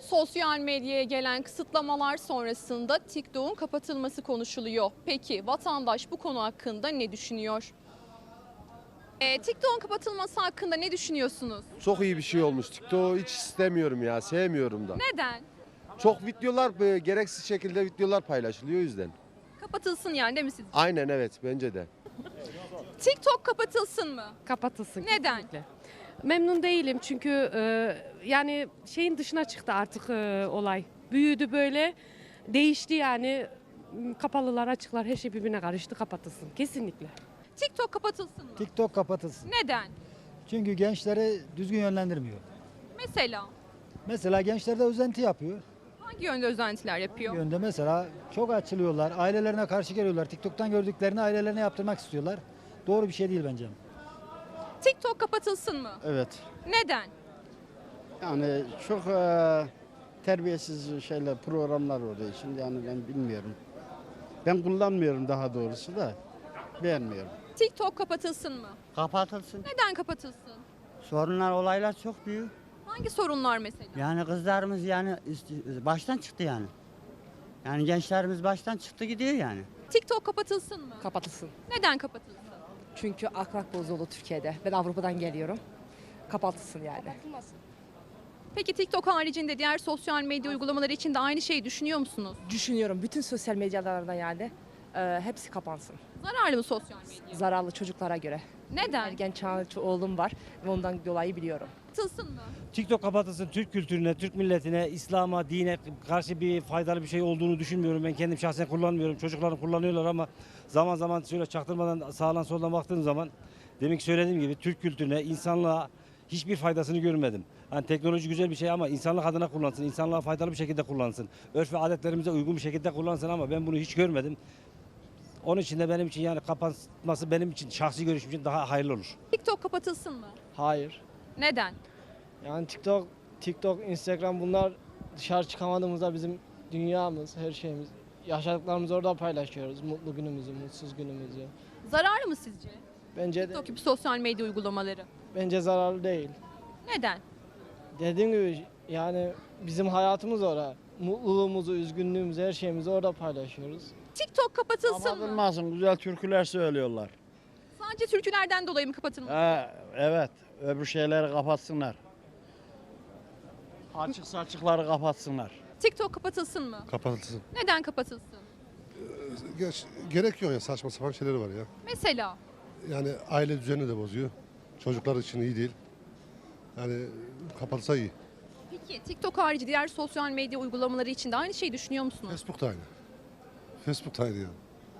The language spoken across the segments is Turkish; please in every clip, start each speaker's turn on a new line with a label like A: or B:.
A: Sosyal medyaya gelen kısıtlamalar sonrasında TikTok'un kapatılması konuşuluyor. Peki vatandaş bu konu hakkında ne düşünüyor? TikTok'un kapatılması hakkında ne düşünüyorsunuz?
B: Çok iyi bir şey olmuş. TikTok'u hiç istemiyorum ya, sevmiyorum da.
A: Neden?
B: Çok videolar, gereksiz şekilde videolar paylaşılıyor o yüzden.
A: Kapatılsın yani değil mi sizce?
B: Aynen evet, bence de.
A: TikTok kapatılsın mı?
C: Kapatılsın.
A: Neden?
C: Kesinlikle. Memnun değilim çünkü yani şeyin dışına çıktı artık olay. Büyüdü böyle, değişti yani. Kapalılar, açıklar her şey birbirine karıştı, kapatılsın. Kesinlikle.
A: TikTok kapatılsın mı?
D: TikTok kapatılsın.
A: Neden?
D: Çünkü gençleri düzgün yönlendirmiyor.
A: Mesela
D: Mesela gençler de özenti yapıyor.
A: hangi yönde özentiler
D: Bir
A: yapıyor?
D: yönde mesela çok açılıyorlar, ailelerine karşı geliyorlar. TikTok'tan gördüklerini ailelerine yaptırmak istiyorlar. Doğru bir şey değil bence.
A: TikTok kapatılsın mı?
E: Evet.
A: Neden?
E: Yani çok terbiyesiz şeyler, programlar oluyor. Şimdi yani ben bilmiyorum. Ben kullanmıyorum daha doğrusu da. Beğenmiyorum.
A: TikTok kapatılsın mı?
F: Kapatılsın.
A: Neden kapatılsın?
F: Sorunlar, olaylar çok büyük.
A: Hangi sorunlar mesela?
F: Yani kızlarımız yani baştan çıktı yani. Yani gençlerimiz baştan çıktı gidiyor yani.
A: TikTok kapatılsın mı?
G: Kapatılsın.
A: Neden kapatılsın?
G: Çünkü ahlak bozuldu Türkiye'de. Ben Avrupa'dan geliyorum. Kapatılsın yani.
A: Peki TikTok haricinde diğer sosyal medya uygulamaları için de aynı şeyi düşünüyor musunuz?
G: Düşünüyorum bütün sosyal medyalarda yani hepsi kapansın.
A: Zararlı mı sosyal medya?
G: Zararlı çocuklara göre.
A: Neden?
G: Ergen çağlı oğlum var ve ondan dolayı biliyorum.
A: Kapatılsın mı?
H: TikTok kapatılsın. Türk kültürüne, Türk milletine, İslam'a, dine karşı bir faydalı bir şey olduğunu düşünmüyorum. Ben kendim şahsen kullanmıyorum. Çocuklarım kullanıyorlar ama zaman zaman şöyle çaktırmadan sağdan soldan baktığım zaman demin ki söylediğim gibi Türk kültürüne, insanlığa hiçbir faydasını görmedim. Hani teknoloji güzel bir şey ama insanlık adına kullansın, insanlığa faydalı bir şekilde kullansın. Örf ve adetlerimize uygun bir şekilde kullansın ama ben bunu hiç görmedim. Onun için de benim için yani kapatması benim için şahsi görüşüm için daha hayırlı olur.
A: TikTok kapatılsın mı?
I: Hayır.
A: Neden?
I: Yani TikTok, Instagram bunlar dışarı çıkamadığımızda bizim dünyamız, her şeyimiz. Yaşadıklarımızı orada paylaşıyoruz. Mutlu günümüzü, mutsuz günümüzü.
A: Zararlı mı sizce?
I: Bence
A: TikTok gibi sosyal medya uygulamaları.
I: bence zararlı değil.
A: Neden?
I: Dediğim gibi yani bizim hayatımız orada. Mutluluğumuzu, üzgünlüğümüzü, her şeyimizi orada paylaşıyoruz.
A: TikTok kapatılsın mı?
E: Kapatılmasın. Güzel türküler söylüyorlar.
A: Sadece türkülerden dolayı mı kapatılmalı?
E: Evet. Öbür şeyleri kapatsınlar. Açık saçıkları kapatsınlar.
A: TikTok kapatılsın mı?
J: Kapatılsın.
A: Neden kapatılsın?
J: Gerek yok ya, saçma sapan şeyleri var ya.
A: Mesela
J: Yani aile düzenini de bozuyor. Çocuklar için iyi değil. Yani kapatılsa iyi.
A: peki TikTok harici diğer sosyal medya uygulamaları için de aynı şeyi düşünüyor musunuz?
J: Facebook da aynı. Facebook da aynı yani.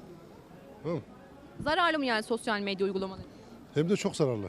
J: Tamam mı?
A: Zararlı mı yani sosyal medya uygulamaları?
J: Hem de çok zararlı.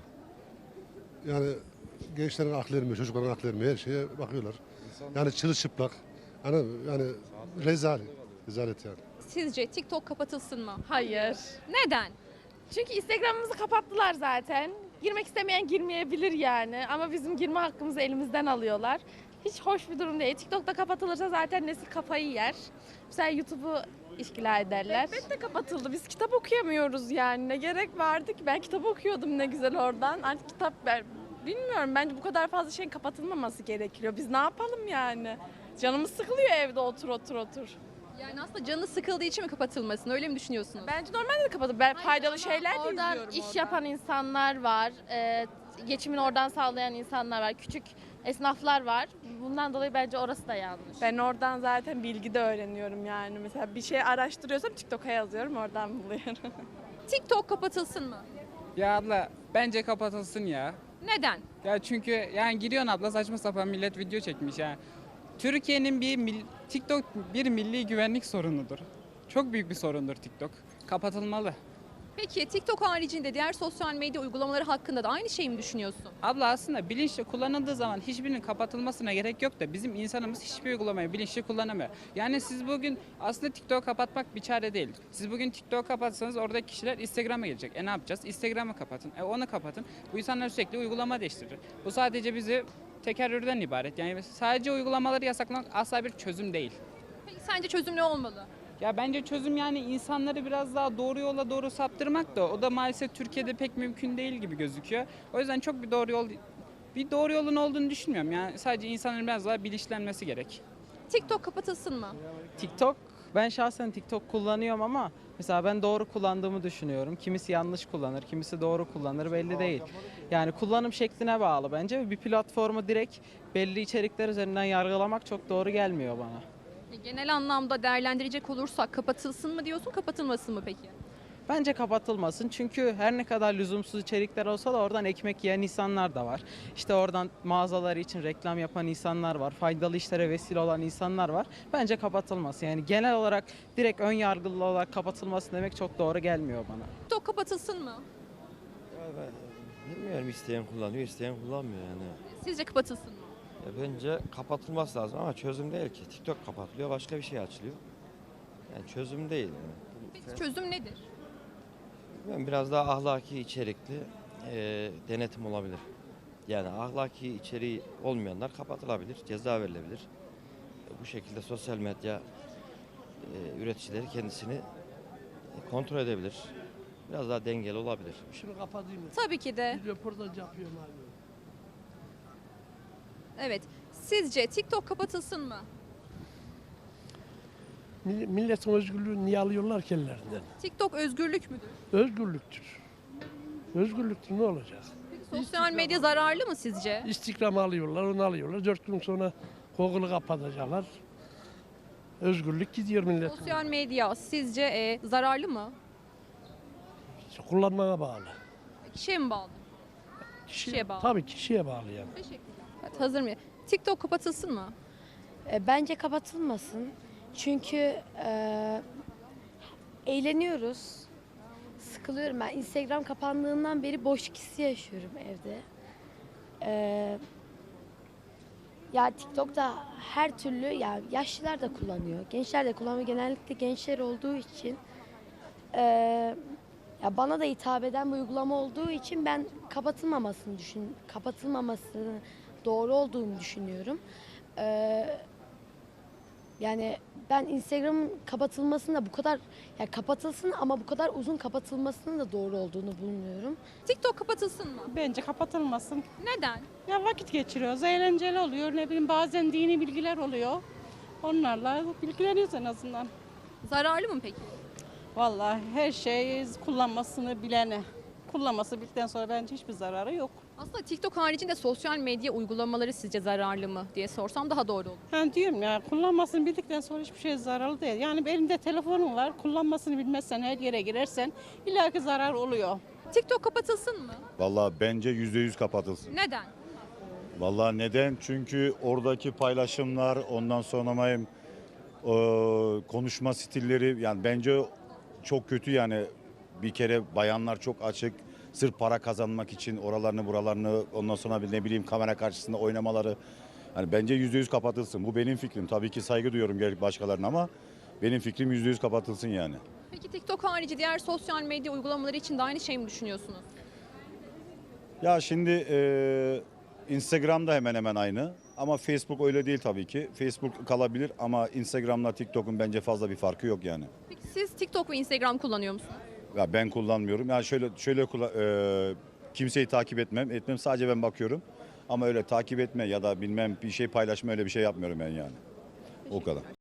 J: Yani gençlerin aklı ermiyor, çocukların aklı ermiyor, her şeye bakıyorlar. Yani çırılçıplak. Yani rezalet. Rezalet yani.
A: Sizce TikTok kapatılsın mı?
K: Hayır.
A: Neden?
K: Çünkü Instagram'ımızı kapattılar zaten. Girmek istemeyen girmeyebilir yani. Ama bizim girme hakkımızı elimizden alıyorlar. Hiç hoş bir durum değil. TikTok'ta kapatılırsa zaten nesil kafayı yer. Mesela YouTube'u işgila ederler.
L: Elbette kapatıldı. Biz kitap okuyamıyoruz yani. Ne gerek vardı ki? Ben kitap okuyordum ne güzel oradan. Artık kitap bilmiyorum. Bence bu kadar fazla şeyin kapatılmaması gerekiyor. Biz ne yapalım yani? Canımız sıkılıyor evde otur.
A: Yani aslında canı sıkıldığı için mi kapatılmasın? Öyle mi düşünüyorsunuz?
L: Bence normalde de kapatılır. Ben faydalı şeyler de
K: Oradan
L: izliyorum
K: iş
L: oradan.
K: yapan insanlar var. Geçimini oradan sağlayan insanlar var. Küçük esnaflar var. Bundan dolayı bence orası da yanlış.
L: Ben oradan zaten bilgi de öğreniyorum yani. Mesela bir şey araştırıyorsam TikTok'a yazıyorum, oradan buluyorum.
A: TikTok kapatılsın mı?
M: Ya abla bence kapatılsın ya.
A: Neden?
M: Ya çünkü yani giriyorsun abla saçma sapan millet video çekmiş ya. Türkiye'nin TikTok bir milli güvenlik sorunudur. Çok büyük bir sorundur TikTok. Kapatılmalı.
A: Peki TikTok haricinde diğer sosyal medya uygulamaları hakkında da aynı şeyi mi düşünüyorsun?
M: Abla aslında bilinçli kullanıldığı zaman hiçbirinin kapatılmasına gerek yok da bizim insanımız hiçbir uygulamayı bilinçli kullanamıyor. Yani siz bugün aslında TikTok'u kapatmak bir çare değil. Siz bugün TikTok'u kapatsanız oradaki kişiler Instagram'a gelecek. Ne yapacağız? Instagram'ı kapatın. Onu kapatın. Bu insanlar sürekli uygulama değiştirir. Bu sadece bizi tekerrürden ibaret. Yani sadece uygulamaları yasaklamak asla bir çözüm değil.
A: Peki sence çözüm ne olmalı?
M: Ya bence çözüm yani insanları biraz daha doğru yola doğru saptırmak da o da maalesef Türkiye'de pek mümkün değil gibi gözüküyor. O yüzden çok bir doğru yol bir doğru yolun olduğunu düşünmüyorum. Yani sadece insanların biraz daha bilinçlenmesi gerek.
A: TikTok kapatılsın mı?
N: TikTok, ben şahsen TikTok kullanıyorum ama mesela ben doğru kullandığımı düşünüyorum. Kimisi yanlış kullanır, kimisi doğru kullanır belli değil. Yani kullanım şekline bağlı bence. Bir platformu direkt belli içerikler üzerinden yargılamak çok doğru gelmiyor bana.
A: Genel anlamda değerlendirecek olursak kapatılsın mı diyorsun, kapatılmasın mı peki?
N: Bence kapatılmasın çünkü her ne kadar lüzumsuz içerikler olsa da oradan ekmek yiyen insanlar da var. İşte oradan mağazaları için reklam yapan insanlar var, faydalı işlere vesile olan insanlar var. Bence kapatılmasın. Yani genel olarak direkt ön yargılı olarak kapatılması demek çok doğru gelmiyor bana.
A: TikTok kapatılsın mı?
O: Bilmiyorum, isteyen kullanıyor, isteyen kullanmıyor yani.
A: Sizce kapatılsın mı?
O: Bence kapatılması lazım ama çözüm değil ki. TikTok kapatılıyor, başka bir şey açılıyor. Yani çözüm değil. Yani.
A: Peki çözüm nedir?
O: Bilmiyorum, biraz daha ahlaki içerikli denetim olabilir. Yani ahlaki içeriği olmayanlar kapatılabilir, ceza verilebilir. Bu şekilde sosyal medya üreticileri kendisini kontrol edebilir. Biraz daha dengeli olabilir.
I: Şunu kapatayım mı?
A: Tabii ki de.
I: Bir röportaj yapıyorum abi.
A: Evet. Sizce TikTok kapatılsın mı?
I: Milletin özgürlüğünü niye alıyorlar ki ellerinden?
A: TikTok özgürlük müdür?
I: Özgürlüktür. Özgürlüktür, ne olacak?
A: Sosyal medya zararlı mı sizce?
I: Instagram'ı alıyorlar, onu alıyorlar. 4 gün sonra Google'ı kapatacaklar. Özgürlük gidiyor milletin.
A: Sosyal medya sizce zararlı mı?
I: Kullanmaya bağlı.
A: Kişiye mi bağlı? Kişiye bağlı.
I: Tabii kişiye bağlı yani.
A: Teşekkürler. Evet, hazır mı? TikTok kapatılsın mı?
K: Bence kapatılmasın. Çünkü eğleniyoruz. Sıkılıyorum ben. Instagram kapandığından beri boşluk hissi yaşıyorum evde. Ya TikTok'ta her türlü, ya yaşlılar da kullanıyor, gençler de kullanıyor. Genellikle gençler olduğu için ya bana da hitap eden bir uygulama olduğu için ben kapatılmamasını doğru olduğunu düşünüyorum. Yani ben Instagram'ın kapatılmasını da bu kadar, yani kapatılsın ama bu kadar uzun kapatılmasının da doğru olduğunu bulmuyorum.
A: TikTok kapatılsın mı?
P: Bence kapatılmasın.
A: Neden?
P: Ya vakit geçiriyoruz, eğlenceli oluyor. Ne bileyim bazen dini bilgiler oluyor. Onlarla bilgileniyoruz en azından.
A: Zararlı mı peki?
P: Vallahi her şey kullanmasını bilene. Kullanması bildikten sonra bence hiçbir zararı yok.
A: Aslında TikTok haricinde sosyal medya uygulamaları sizce zararlı mı diye sorsam daha doğru olur.
P: Ben diyorum ya, kullanmasını bildikten sonra hiçbir şey zararlı değil. Yani elimde telefonum var, kullanmasını bilmezsen, her yere girersen illaki zarar oluyor.
A: TikTok kapatılsın mı?
Q: Vallahi bence %100 kapatılsın.
A: Neden?
Q: Vallahi neden? Çünkü oradaki paylaşımlar, ondan sonra konuşma stilleri, yani bence çok kötü yani. Bir kere bayanlar çok açık, sırf para kazanmak için oralarını buralarını, ondan sonra ne bileyim kamera karşısında oynamaları. Yani bence %100 kapatılsın. Bu benim fikrim. Tabii ki saygı duyuyorum gerek başkalarına ama benim fikrim %100 kapatılsın yani.
A: Peki TikTok harici diğer sosyal medya uygulamaları için de aynı şey mi düşünüyorsunuz?
Q: Ya şimdi Instagram'da hemen hemen aynı ama Facebook öyle değil tabii ki. Facebook kalabilir ama Instagram'la TikTok'un bence fazla bir farkı yok yani.
A: Peki siz TikTok ve Instagram kullanıyor musunuz?
Q: Ya ben kullanmıyorum. Yani kimseyi takip etmem. Sadece ben bakıyorum. Ama öyle takip etme ya da bilmem bir şey paylaşma, öyle bir şey yapmıyorum ben yani. O kadar.